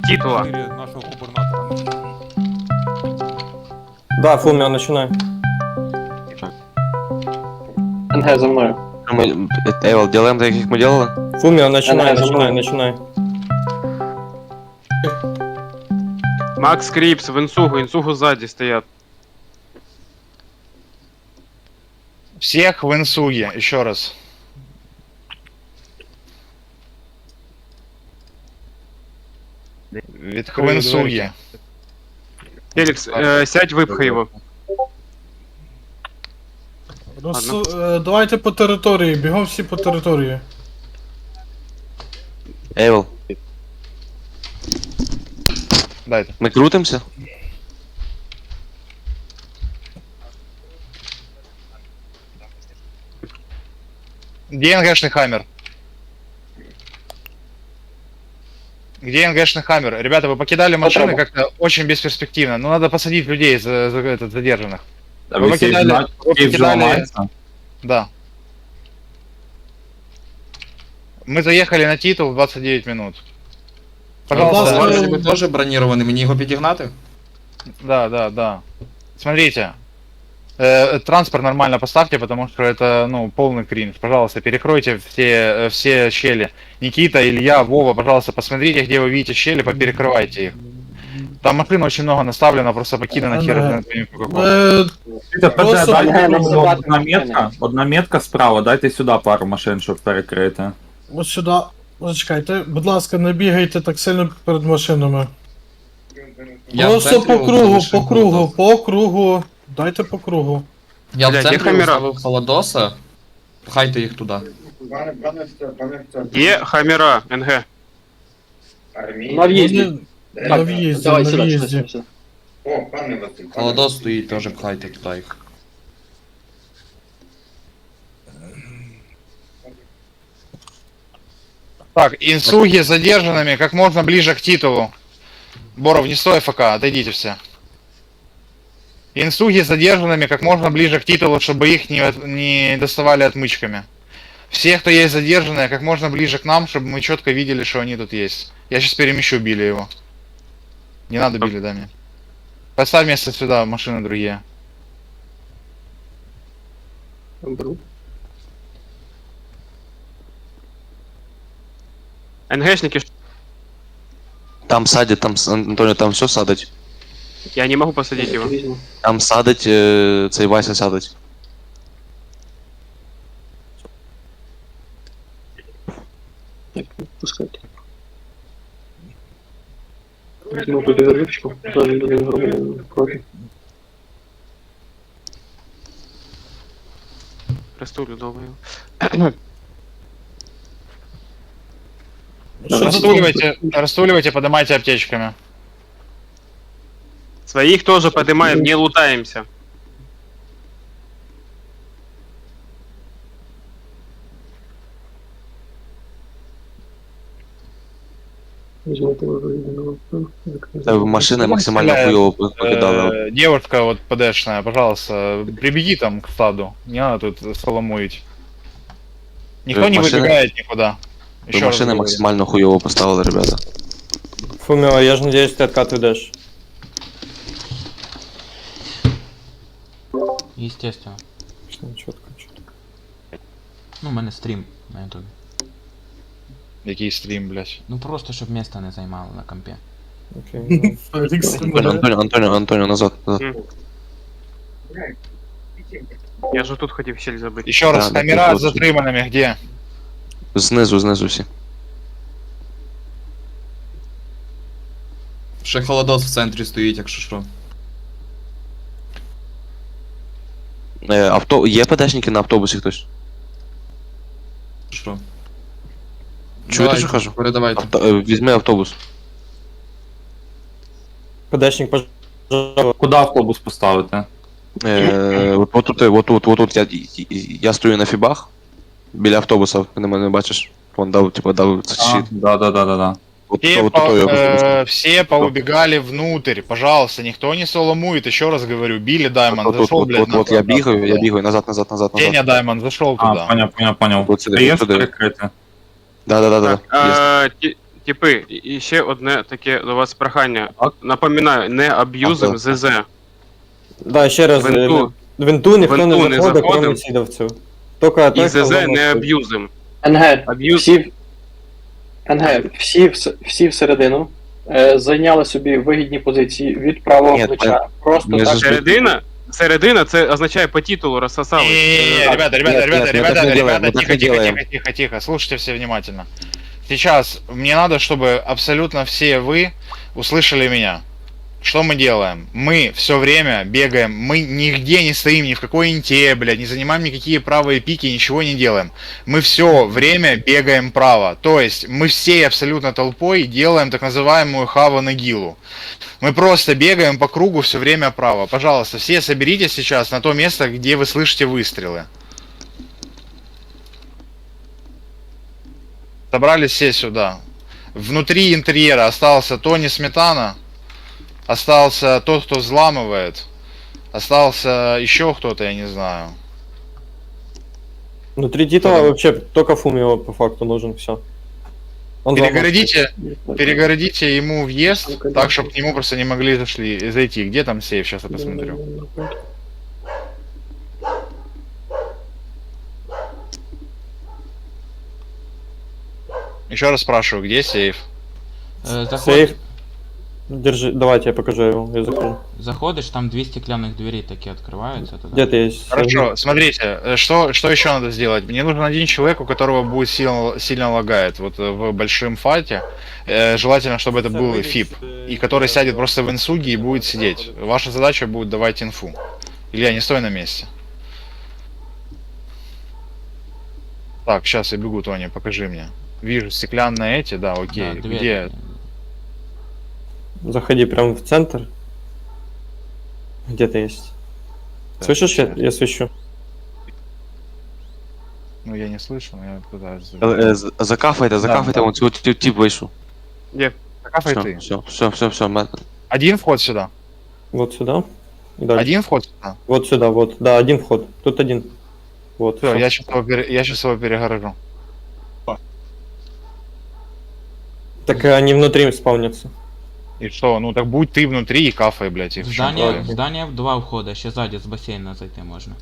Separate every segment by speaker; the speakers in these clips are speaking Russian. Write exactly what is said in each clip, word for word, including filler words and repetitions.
Speaker 1: Титула.
Speaker 2: Нашего губернатора.
Speaker 3: Да, Фумио, начинай.
Speaker 4: НГ за мною.
Speaker 5: Мы, Эвел, делаем так, как мы делали?
Speaker 3: Фумио, начинай,
Speaker 4: Давай, за
Speaker 3: начинай,
Speaker 4: мной.
Speaker 3: начинай.
Speaker 1: Макс Крипс в инсугу, инсугу сзади стоят.
Speaker 6: Всех в инсуге, еще раз. Вит- В инсуге.
Speaker 1: Феликс, э, сядь, выпхай его.
Speaker 7: Розсу... е, Давайте по території, бігом всі по території.
Speaker 5: Эвел,
Speaker 6: Дайте.
Speaker 5: мы крутимся?
Speaker 6: Где НГшный хаммер? Где НГшный хаммер? Ребята, вы покидали машины как-то очень бесперспективно. Ну надо посадить людей за, за этот, задержанных. Вы покидали... Вы покидали... Да. Мы заехали на титул в двадцать девять минут. Пожалуйста.
Speaker 7: Пожалуйста.
Speaker 8: Ви теж бронірований, мені його підігнати?
Speaker 6: Да, да, да. Смотрите. Э, транспорт нормально поставьте, потому что это, ну, полный кринж. Пожалуйста, перекройте все, э, все щели. Никита, Илья, Вова, пожалуйста, посмотрите, где вы видите щели, поперекрывайте их. Там машин очень много наставлено, просто покидано хер знает по какому.
Speaker 7: Е, Просто-
Speaker 4: Ага, нам здавати
Speaker 9: Одна
Speaker 4: машини.
Speaker 9: метка, одна метка справа, дайте сюди пару машин, щоб перекрити.
Speaker 7: Ось сюди. Зачекайте, будь ласка, не бігайте так сильно перед машинами.
Speaker 8: Я в
Speaker 7: Просто
Speaker 8: центрі
Speaker 7: по кругу,
Speaker 8: залишив
Speaker 7: по кругу,
Speaker 8: холодос.
Speaker 7: по кругу. Дайте по кругу.
Speaker 8: Я в
Speaker 1: Блядь, є
Speaker 8: центрі
Speaker 1: камера?
Speaker 8: поставив холодоса. Пхайте їх туди.
Speaker 1: Где хамера, НГ?
Speaker 4: На в'їзді.
Speaker 7: Вони на в'їзді,
Speaker 4: Давай
Speaker 7: на
Speaker 4: сюди, сюди,
Speaker 7: в'їзді.
Speaker 4: сюди.
Speaker 8: Холодос стоїть, теж пхайте туди їх.
Speaker 6: Так, инсуги с задержанными как можно ближе к титулу. Боров, не стой ФК, отойдите все. Инсуги с задержанными как можно ближе к титулу, чтобы их не, от- не доставали отмычками. Все, кто есть задержанные, как можно ближе к нам, чтобы мы четко видели, что они тут есть. Я сейчас перемещу Билли его. Не надо Билли, да, мне. Поставь место сюда, машины другие.
Speaker 4: Беру.
Speaker 1: НГшники, ш-
Speaker 5: Там садить, там, с- Антоніо, там все садить.
Speaker 1: я не могу посадить его.
Speaker 4: Візьму.
Speaker 5: Там садить, е, цей Вася садить.
Speaker 4: Так, пускайте. Візьму туди вервичку. Зараз буде громадянин проти.
Speaker 1: Растулю думаю.
Speaker 7: Що за
Speaker 6: Растуливайте, растуливайте, поднимайте аптечками.
Speaker 1: Своих тоже поднимаем, не лутаемся.
Speaker 4: Візьму тебе виведеного.
Speaker 5: Та машини максимально хуйово покидали.
Speaker 6: Э, девушка вот ПДшная, пожалуйста, прибеги там к стаду. Не надо тут соломуить. Никто
Speaker 5: Э,
Speaker 6: не
Speaker 5: машины-
Speaker 6: выбегает никуда.
Speaker 5: Ви
Speaker 6: Еще раз
Speaker 5: машини
Speaker 6: говорю.
Speaker 5: максимально хуйово поставили, ребята.
Speaker 3: Фумио, я ж надіюсь, ти откат ведеш.
Speaker 10: Естественно.
Speaker 3: Чітко, чітко.
Speaker 10: Ну, у мене стрім на ютубі.
Speaker 6: Який стрім, блядь.
Speaker 10: Ну просто щоб місто не займало на компі.
Speaker 3: Окей.
Speaker 7: Фелікс?
Speaker 5: Антоніо, Антоніо, Антоніо, Антоніо, назад, назад.
Speaker 1: Я же тут хотел щель забыть.
Speaker 6: Еще раз,
Speaker 5: Да,
Speaker 6: камера
Speaker 5: да,
Speaker 6: с затриманными где?
Speaker 5: Знизу, знизу всі.
Speaker 8: Ще холодос в центрі стоїть, якщо що.
Speaker 5: Е, авто... Є ПДшники на автобусі хтось?
Speaker 8: Що?
Speaker 5: Чуєте,
Speaker 8: Давайте,
Speaker 5: що кажу?
Speaker 8: Передавайте.
Speaker 5: Авто... е, Візьми автобус.
Speaker 3: ПДшник, пожалуйста.
Speaker 9: Куди автобус поставити?
Speaker 5: Е, от, от тут, от тут, от тут я, я стою на фібах. Біля автобуса, ти мене не бачиш. Вон дав, типу, дав
Speaker 9: А,
Speaker 5: щит.
Speaker 9: да, да, да, да, да.
Speaker 5: От,
Speaker 6: Все,
Speaker 5: от,
Speaker 6: по-
Speaker 5: от, от,
Speaker 6: э, все поубегали внутрь, пожалуйста, никто не соломует, еще раз говорю, Билли Даймонд
Speaker 5: от, от,
Speaker 6: зашел,
Speaker 5: от,
Speaker 6: блядь,
Speaker 5: от,
Speaker 6: на-
Speaker 5: от, я бігаю, я бігаю, назад, назад, назад, назад.
Speaker 6: Деня Даймонд зашел
Speaker 9: А,
Speaker 6: туда.
Speaker 9: поняв, поняв, поняв.
Speaker 5: От сюди,
Speaker 9: Ти є
Speaker 5: от сюди.
Speaker 9: перекрити?
Speaker 5: Да, да, да, да.
Speaker 1: Так,
Speaker 5: Є.
Speaker 1: э, Ти- Типи, і і ще одне таке до вас прохання.
Speaker 9: Так.
Speaker 1: Напоминаю, не аб'юзим
Speaker 5: Ага.
Speaker 1: ЗЗ.
Speaker 3: Да, ще раз.
Speaker 1: Венту.
Speaker 3: В Венту ніхто
Speaker 1: Венту
Speaker 3: не
Speaker 1: не
Speaker 3: заходить,
Speaker 1: заходим.
Speaker 3: крім сідовців. Тільки
Speaker 1: І
Speaker 3: той, хто
Speaker 1: ЗЗ
Speaker 3: вам
Speaker 1: не
Speaker 3: заходить.
Speaker 1: аб'юзим.
Speaker 4: НГ,
Speaker 1: Аб'юз.
Speaker 4: всі, НГ, всі, вс- всі всередину е, зайняли собі вигідні позиції від правого
Speaker 5: Ні,
Speaker 4: плеча. Просто
Speaker 5: ми
Speaker 4: так.
Speaker 5: ж-
Speaker 1: Середина, середина це означає по титулу розсосали.
Speaker 6: Не-не-не,
Speaker 1: Е,
Speaker 6: ребята, ребята,
Speaker 5: нет,
Speaker 6: ребята,
Speaker 5: нет, мы
Speaker 6: ребята,
Speaker 5: так не делаем,
Speaker 6: ребята,
Speaker 5: мы так
Speaker 6: тихо,
Speaker 5: не
Speaker 6: тихо,
Speaker 5: делаем.
Speaker 6: тихо, тихо, тихо, слушайте все внимательно. Сейчас мне надо, чтобы абсолютно все вы услышали меня. Что мы делаем? Мы все время бегаем, мы нигде не стоим, ни в какой инте, блядь, не занимаем никакие правые пики, ничего не делаем. Мы все время бегаем право. То есть мы всей абсолютно толпой делаем так называемую хава нагилу. Мы просто бегаем по кругу все время право. Пожалуйста, все соберитесь сейчас на то место, где вы слышите выстрелы. Собрались все сюда. Внутри интерьера остался Тони Сметана, остался тот, кто взламывает, остался еще кто-то, я не знаю.
Speaker 3: Внутри титула вообще только Фумио по факту нужен, все. Он
Speaker 6: Перегородите, перегородите ему въезд, так, чтобы к нему просто не могли зашли, зайти. Где там сейф? Сейчас я посмотрю. Еще раз спрашиваю, где сейф?
Speaker 10: Е, заход...
Speaker 3: Сейф. Держи, давайте я покажу его, я закрою.
Speaker 10: Заходишь, там две стеклянных двери такие открываются. Туда.
Speaker 3: Где-то есть.
Speaker 6: Хорошо, смотрите, э, что, что еще надо сделать? Мне нужен один человек, у которого будет сильно, сильно лагает вот э, в большом файте. Э, желательно, чтобы это был ФИП, и который сядет просто в инсуге и будет сидеть. Ваша задача будет давать инфу. Илья, не стой на месте. Так, сейчас я бегу, Тони, покажи мне. Вижу стеклянные эти, да, окей.
Speaker 10: Да, двери.
Speaker 6: Где?
Speaker 3: Заходи прям в центр. Где-то есть.
Speaker 6: Так,
Speaker 3: Слышишь, я,
Speaker 6: сейчас.
Speaker 3: я свищу.
Speaker 6: Ну я не слышу, но я пытаюсь.
Speaker 5: Е, з- Закафайте, закафайте,
Speaker 6: да.
Speaker 5: вон цю ті- тип вийшов.
Speaker 6: Закафай
Speaker 5: Все,
Speaker 6: ты.
Speaker 5: все, все, все, все. ме-
Speaker 6: Один вход сюда.
Speaker 3: Вот сюда. И дальше.
Speaker 6: Один вход сюда.
Speaker 3: Вот сюда, вот. Да, один вход. Тут один. Вот.
Speaker 6: Все,
Speaker 3: всё.
Speaker 6: я сейчас его, пере- я сейчас его перегорожу.
Speaker 3: Так э, они внутри спавнятся.
Speaker 6: И что? Ну так будь ты внутри и кафай, блядь. И в чём
Speaker 10: Здание,
Speaker 6: проблема?
Speaker 10: в здание в два входа, еще сзади с бассейна зайти можно.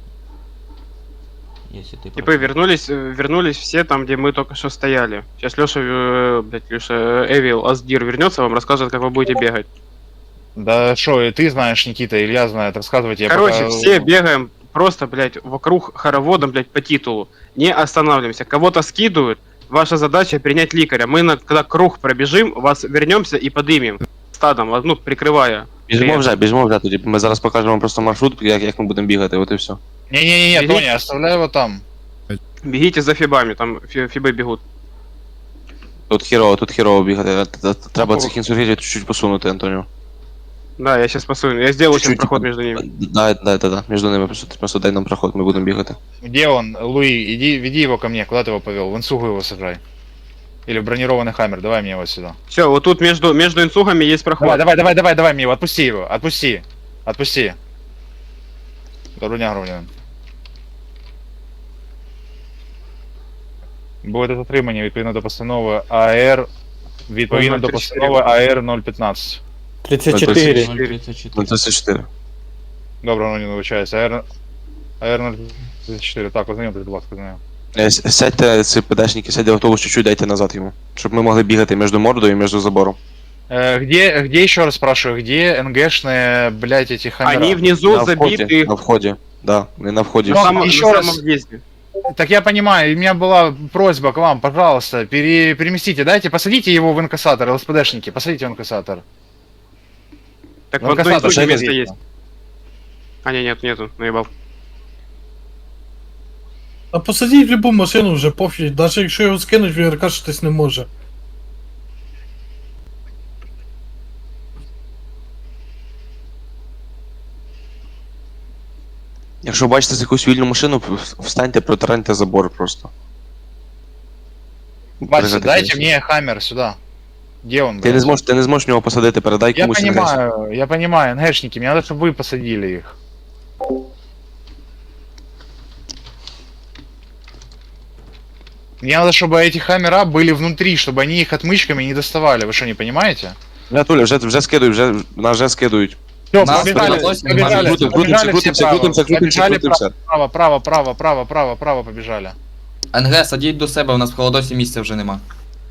Speaker 10: Если ты
Speaker 1: Типы
Speaker 10: против.
Speaker 1: вернулись, э, вернулись все там, где мы только что стояли. Сейчас Леша, э, блядь, Леша, э, Эвил, Аздир вернется, вам расскажет, как вы будете бегать.
Speaker 6: Да что, и ты знаешь, Никита, Илья знает, рассказывайте. я
Speaker 1: Короче,
Speaker 6: пока-
Speaker 1: все бегаем просто, блядь, вокруг хороводом, блядь, по титулу. Не останавливаемся. Кого-то скидывают. Ваша задача принять ликаря. Мы, на, когда круг пробежим, вас вернемся и подымем. Стадом, ну, прикрывая.
Speaker 5: Біжимо
Speaker 1: Привет.
Speaker 5: вже, біжимо вже тоді. Ми зараз покажемо вам просто маршрут, як, як ми будемо бігати, от і все.
Speaker 6: Не-не-не,
Speaker 1: Бегите.
Speaker 6: Тоня, оставляй его там.
Speaker 1: Бегите за фибами, там фи- фибы бегут.
Speaker 5: Тут хірово, тут хірово бігати. Т- т- Треба цих інсургентів чуть-чуть посунути, Антоніо.
Speaker 1: Да, я сейчас посую. Я сделаю сейчас
Speaker 5: Чуть-чуть,
Speaker 1: проход
Speaker 5: типа,
Speaker 1: между ними.
Speaker 5: Да, да, да, да. Між ними просто, просто дай нам проход, ми будемо бігати.
Speaker 6: Где он? Луи, иди, веди его ко мне, куда ты его повел? В инсугу его сажай. Или в бронированный хаммер, давай мне его сюда.
Speaker 1: Все, вот тут между, между инсугами есть проход.
Speaker 6: Давай, давай, давай, давай, давай мне его, отпусти его, отпусти. Отпусти. Доброго дня, громадянин. Буде затримання відповідно до постанови АР, відповідно до постанови АР нуль п'ятнадцять.
Speaker 3: тридцать четыре.
Speaker 10: ноль тридцать четыре.
Speaker 5: Ну, тридцять чотири.
Speaker 6: Доброго не вибачаюся, АР, АР нуль тридцять чотири, так, ознайомтесь, будь ласка, з нею.
Speaker 5: Е, с- Сядьте, ці ПДшники, сядьте в автобус, чуть-чуть дайте назад йому. Щоб ми могли бігати між мордою і між забором.
Speaker 6: Э, где, где еще раз спрашиваю, где НГшные, блять, эти хаммера?
Speaker 1: Они внизу
Speaker 5: На вході,
Speaker 1: забиты.
Speaker 5: на вході. Да, не на вході.
Speaker 1: В
Speaker 6: Ну,
Speaker 1: самом,
Speaker 6: еще
Speaker 1: на
Speaker 6: раз.
Speaker 1: самом въезде.
Speaker 6: Так я понимаю, у меня была просьба к вам, пожалуйста, пере, переместите, дайте, посадите его в инкассатор, ЛСПДшники, посадите в инкассатор.
Speaker 1: Так
Speaker 6: В
Speaker 1: вот, на
Speaker 6: инкассатор
Speaker 1: инсуге место
Speaker 6: посадите.
Speaker 1: есть. А, не, нет, нету, наебал.
Speaker 7: А посадіть в любу машину вже пофіг, навіть якщо його скинуть, він ракашитись не може.
Speaker 5: Якщо бачите якусь вільну машину, в- встаньте, протараньте забор просто.
Speaker 6: Вася,
Speaker 5: Пригадайте.
Speaker 6: дайте мне хаммер сюда. Где он,
Speaker 5: Ти
Speaker 6: блядь?
Speaker 5: не зможеш, ти не зможеш в нього посадити, передай
Speaker 6: Я
Speaker 5: комусь. інгресію.
Speaker 6: понимаю, я понимаю, НГшники, мне надо, чтобы вы посадили их. Мне надо, чтобы эти хаммера были внутри, чтобы они их отмычками не доставали. Вы что, не понимаете?
Speaker 5: Бля, Туля, вже, вже скидують, вже, нас вже скидують.
Speaker 6: Все,
Speaker 8: Нас
Speaker 6: побежали,
Speaker 8: переносим,
Speaker 6: побежали,
Speaker 5: крутим,
Speaker 6: побежали
Speaker 5: крутимся,
Speaker 6: все право.
Speaker 5: крутимся, крутимся,
Speaker 6: Побежали
Speaker 5: крутимся.
Speaker 6: право, право, право, право, право, право, право, побежали.
Speaker 8: НГ, садіть до себе, у нас в холодосі місця вже нема.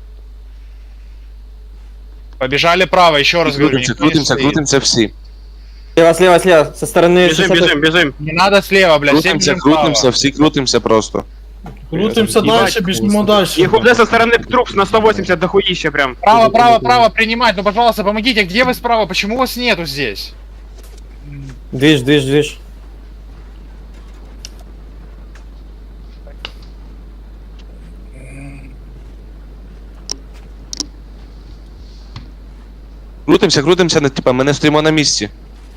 Speaker 6: Побежали право, еще раз говорю.
Speaker 5: Крутимся,
Speaker 6: никто не
Speaker 5: крутимся,
Speaker 6: стоит.
Speaker 5: крутимся всі.
Speaker 3: Слева, слева, слева. Со стороны...
Speaker 1: Бежим,
Speaker 3: шестьдесят.
Speaker 1: бежим, бежим.
Speaker 6: Не надо слева, блядь, все
Speaker 5: Крутимся,
Speaker 6: бежим право.
Speaker 5: крутимся, всі крутимся просто.
Speaker 7: Крутимся
Speaker 1: Ебать,
Speaker 7: далі, біжимо далі.
Speaker 1: Их уже со стороны трупс на сто восемьдесят дохуища прям.
Speaker 6: Право, право, право, принимать. Ну, пожалуйста, помогите. Где вы справа? Почему вас нету здесь?
Speaker 3: Движ, движ, движ.
Speaker 5: Крутимся, крутимся, не- типа, ми не стоїмо на місці.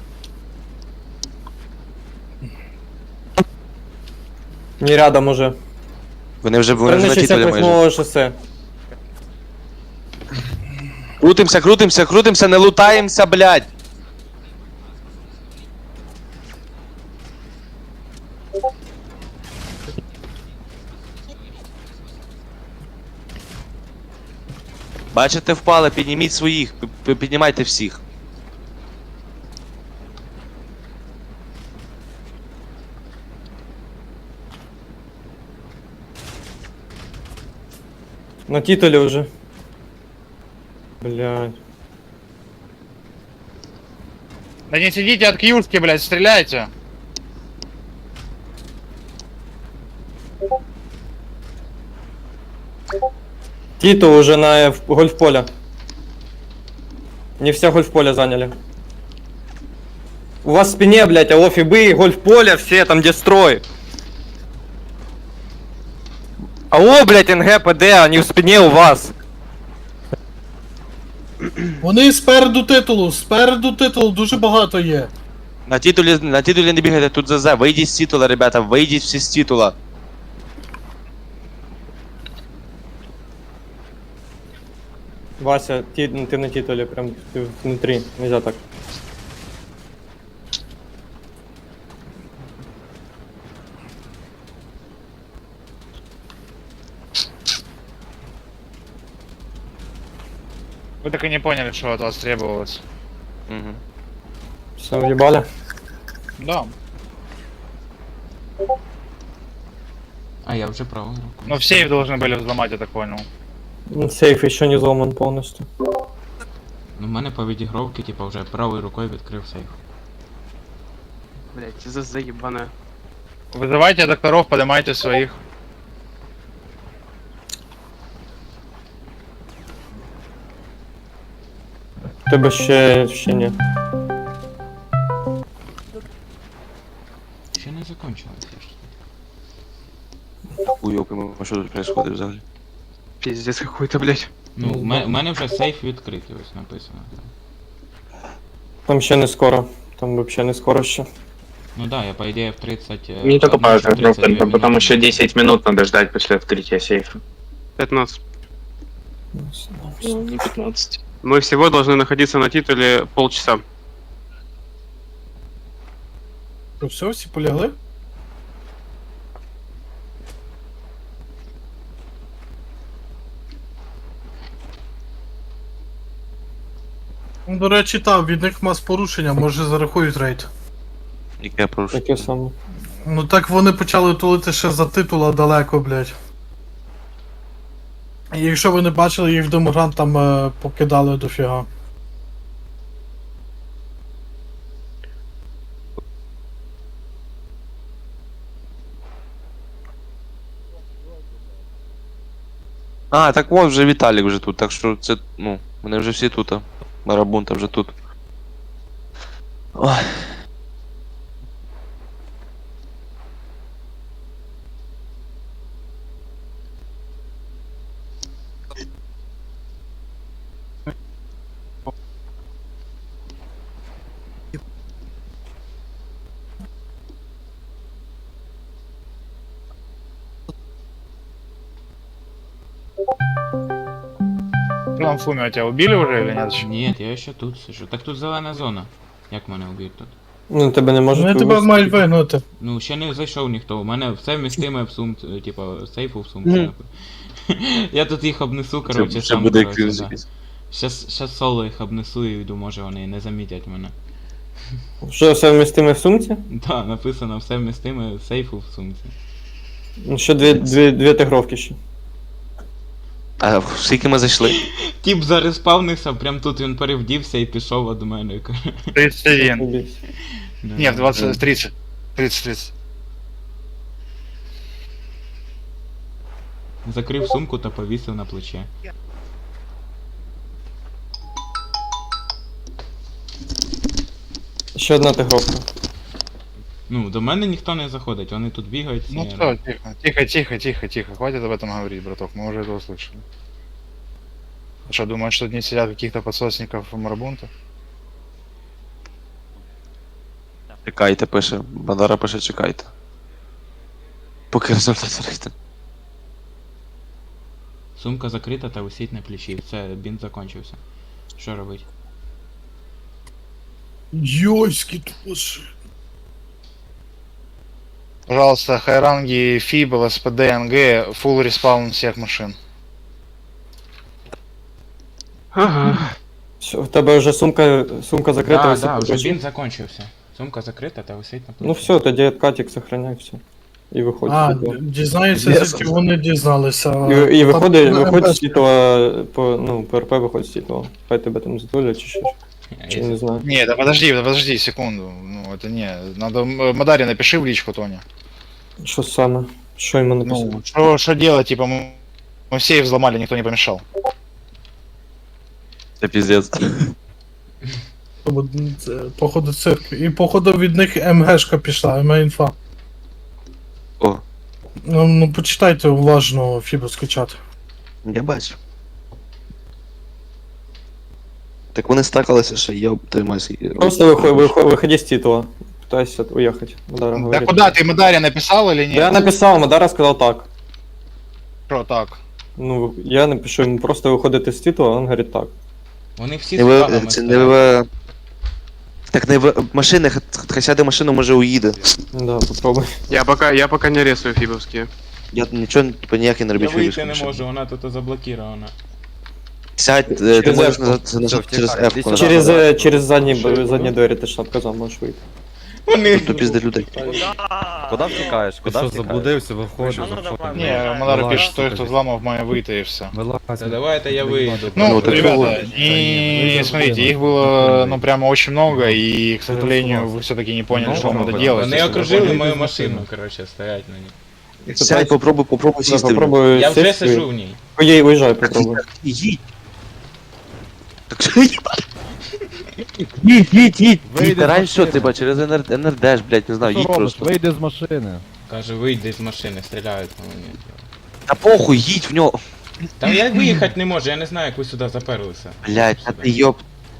Speaker 3: Не рядом уже.
Speaker 5: Вони вже, вони вже
Speaker 3: Стороны
Speaker 5: на титулі
Speaker 3: шестьдесят
Speaker 5: майже.
Speaker 3: восьмого шоссе.
Speaker 5: Крутимся, крутимся, крутимся, не лутаємося, блядь. Бачите, впали, підніміть своїх, п- п- піднімайте всіх.
Speaker 3: На титуле уже. Блядь.
Speaker 6: Да не сидите от кьюшки, блядь, стреляйте.
Speaker 3: Титул уже на в- гольф-поле. Не все гольф-поле заняли. У вас в спине, блядь, алло, фибы, гольф-поле, все там, где строй. Алло, блядь, НГ, ПД, они в спине у вас.
Speaker 7: Вони спереду титулу, спереду титулу дуже багато є.
Speaker 5: На титулі, на титулі не бігайте, тут ЗЗ, вийдіть з титула, ребята, вийдіть всі з титула.
Speaker 3: Вася, ти, ну, ты на титуле, прям ты внутри, нельзя так.
Speaker 6: Вы так и не поняли, что от вас требовалось.
Speaker 5: Угу.
Speaker 3: Все, въебали.
Speaker 6: Да.
Speaker 10: А, я вже правою рукою.
Speaker 6: Но все их должны были взломать, я так понял.
Speaker 3: Ну, сейф еще не взломан полностью.
Speaker 10: Ну, в мене по відігровці, типа, вже правою рукою відкрив сейф.
Speaker 1: Блять, за заебаная.
Speaker 6: Вызывайте докторов, поднимайте своих.
Speaker 3: Тебе ще, ще ні.
Speaker 10: Ще не закончилось, я ж.
Speaker 5: Уйобимо, що тут происходит взагалі?
Speaker 1: Пиздец какой-то, блять.
Speaker 10: Ну, в мене, в мене вже сейф відкритий, ось написано.
Speaker 3: Там ще не скоро. Там вообще не скоро ще.
Speaker 10: Ну да, я по ідеї в тридцать... е,
Speaker 2: Не только
Speaker 10: одну
Speaker 2: по
Speaker 10: чи тридцать дві
Speaker 2: потому
Speaker 10: минути.
Speaker 2: что десять минут надо ждать после открытия сейфа.
Speaker 1: пятнадцать.
Speaker 2: Ну, не пятнадцать.
Speaker 1: Мы всего должны находиться на титуле полчаса.
Speaker 7: То все, всі полягли? Ну, до речі, так, від них мас порушення, може зарахують рейд.
Speaker 5: Яке порушення?
Speaker 3: Таке саме.
Speaker 7: Ну так вони почали тулити ще за титула далеко, блядь. І якщо ви не бачили, їх в Демогран там е, покидали дофіга.
Speaker 5: А, так от вже Віталік вже тут, так що це, ну, вони вже всі тут, а. Марабунта вже тут. Ой.
Speaker 6: Что там Фуми, тебя убили уже или нет?
Speaker 10: Ні, я ще тут сижу. Так тут зелена зона. Як мене уб'ють тут?
Speaker 3: Ну, тебе не можуть
Speaker 7: Вони тебе
Speaker 3: вивезти.
Speaker 7: мають вигнати.
Speaker 10: Ну, ще не зайшов ніхто. У мене все вмістиме в сумці, типа, сейфу в сумці. Я тут їх обнесу, короче,
Speaker 5: Це
Speaker 10: сам,
Speaker 5: буде
Speaker 10: короче,
Speaker 5: крінж
Speaker 10: да.
Speaker 5: якийсь.
Speaker 10: Щас, щас соло їх обнесу і йду, може вони не замітять мене.
Speaker 3: Що все вмістиме в сумці?
Speaker 10: Да, написано все вмістиме сейфу в сумці.
Speaker 3: Ну, ще дві, дві, дві тигровки ще.
Speaker 5: А скільки ми зайшли?
Speaker 10: Тіп зареспавнився, прям тут він перевдівся і пішов від мене.
Speaker 6: тридцать один.
Speaker 3: Убійся.
Speaker 10: Да.
Speaker 6: Нет, двадцать, тридцать. тридцать, тридцать.
Speaker 10: Закрив сумку та повісив на плече.
Speaker 3: Ще одна тигровка.
Speaker 10: Ну, до мене ніхто не заходить, вони тут бігають.
Speaker 6: Ну
Speaker 10: всі,
Speaker 6: все, тихо, тихо, тихо, тихо, тихо. Хватит об этом говорить, браток, мы уже это услышали. Ты что, думаешь, что не сидят каких-то подсосников Марабунта?
Speaker 5: Чекайте, пише. Бандара пише, чекайте. Поки результат вийде.
Speaker 10: Сумка закрита та висить на плечі. Все, бінт закончився. Що робить?
Speaker 7: Йойські туші.
Speaker 6: Пожалуйста, хайранги, фиб, ЛСПД, НГ, full респаун всех машин.
Speaker 1: Ага.
Speaker 3: Все, в тебе вже сумка, сумка закрита.
Speaker 10: Да,
Speaker 3: висить
Speaker 10: да,
Speaker 3: на
Speaker 10: вже
Speaker 3: плечі.
Speaker 10: бінт закончився. Сумка закрита та висить на плечі.
Speaker 3: Ну все, тоді откатик сохраняй все. І виходь.
Speaker 7: А,
Speaker 3: з світла.
Speaker 7: дізнається,
Speaker 3: Yes.
Speaker 7: звідки вони дізналися.
Speaker 3: І, і виходить,
Speaker 7: Там,
Speaker 3: виходь
Speaker 7: е,
Speaker 3: з світла, по, ну, ПРП виходь з світла. Хай тебе там затулять чи що.
Speaker 10: А
Speaker 3: Чи
Speaker 10: якщо-
Speaker 3: не знаю.
Speaker 6: Не, да подожди, да подожди секунду. Ну, это не. Надо м- Мадаре напиши в личку, Тоня.
Speaker 3: Що саме? Що йому написати?
Speaker 6: Ну, что, что делать, типа, мы, мы все их взломали, никто не помешал.
Speaker 5: Це піздець.
Speaker 7: Бо це, походу цирк. І походу від них МГшка пішла, МГ-інфа.
Speaker 5: О,
Speaker 7: Ну, ну почитайте уважно фібовський чат.
Speaker 5: я бачу. Так вони стакалися, що я тримаюся.
Speaker 3: Просто виходь, виходь, виходи з титула. Пытайся уехать. Мадара
Speaker 6: Да
Speaker 3: говорит.
Speaker 6: куда ты Мадаре написал или
Speaker 3: Да я
Speaker 6: нет?
Speaker 3: написал, Мадара сказал так.
Speaker 6: Что так?
Speaker 3: Ну, я напишу йому просто виходити з титула, а він говорить так.
Speaker 10: Вони всі
Speaker 5: Не
Speaker 10: з
Speaker 5: ви,
Speaker 10: флагами
Speaker 5: це не
Speaker 10: стоять.
Speaker 5: ви... Так не в машини, хай сяде в машину, може уїде.
Speaker 3: Да, попробуй.
Speaker 1: Я пока, я пока не рисую фибовские.
Speaker 5: Я нічого типу, ніякий не
Speaker 10: Я
Speaker 5: робіть
Speaker 10: вийти не
Speaker 5: машину.
Speaker 10: можу, вона тут заблокірована.
Speaker 5: Сядь, е, ти
Speaker 3: Через
Speaker 5: можеш
Speaker 3: F.
Speaker 5: назад, назад через F.
Speaker 3: Через, е, через задні, б- задні двері ти ж там казав, можеш вийти.
Speaker 10: Вони...
Speaker 5: Тут пізде людей.
Speaker 9: Куди втікаєш? Куди втікаєш? Заблудився, виходиш.
Speaker 6: Не, Мадаре
Speaker 9: Вылазь,
Speaker 6: пишет, что
Speaker 9: сука,
Speaker 6: их взломав мое выйти и все.
Speaker 10: Та давайте я вийду.
Speaker 6: Ну,
Speaker 5: Ну, так
Speaker 6: ребята,
Speaker 5: вот.
Speaker 6: не смотрите, их было, ну, прямо очень много, и, к сожалению, вы все-таки не поняли, что надо делать.
Speaker 10: Вони окружили мою машину, короче, стоять на ній.
Speaker 5: Сядь, попробуй, попробуй
Speaker 3: Да,
Speaker 5: сісти. в нього.
Speaker 3: попробуй
Speaker 10: Я вже
Speaker 3: сесть і-
Speaker 10: сижу в ній.
Speaker 3: Ой, уїжджай, попробуй.
Speaker 5: Їдь. Так що їбать? Їдь, їдь, їдь. Їдь, раніше що, ти через НРД ж, блядь, не знаю, їдь просто.
Speaker 8: Вийди з машини.
Speaker 10: Каже, вийди з машини, стріляють по мені.
Speaker 5: Та похуй, їдь в нього.
Speaker 10: Та я виїхати не можу, я не знаю, як ви сюди заперлися.
Speaker 5: Блядь, а ти йоп.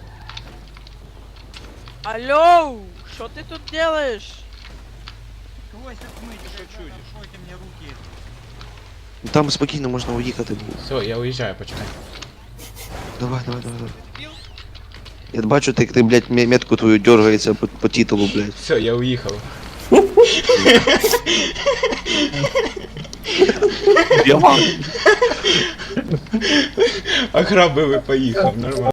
Speaker 11: Алло, что ты тут делаешь?
Speaker 5: Ну, там спокійно можна уїхати.
Speaker 10: Все, я уїжджаю, почекай.
Speaker 5: Давай, давай, давай, давай. Я бачу, ти, ти, блядь, мє- метку твою дергається по, по титулу, блядь.
Speaker 10: Все, я уїхав.
Speaker 5: Я вам.
Speaker 10: Ограбив і поїхав, нормально.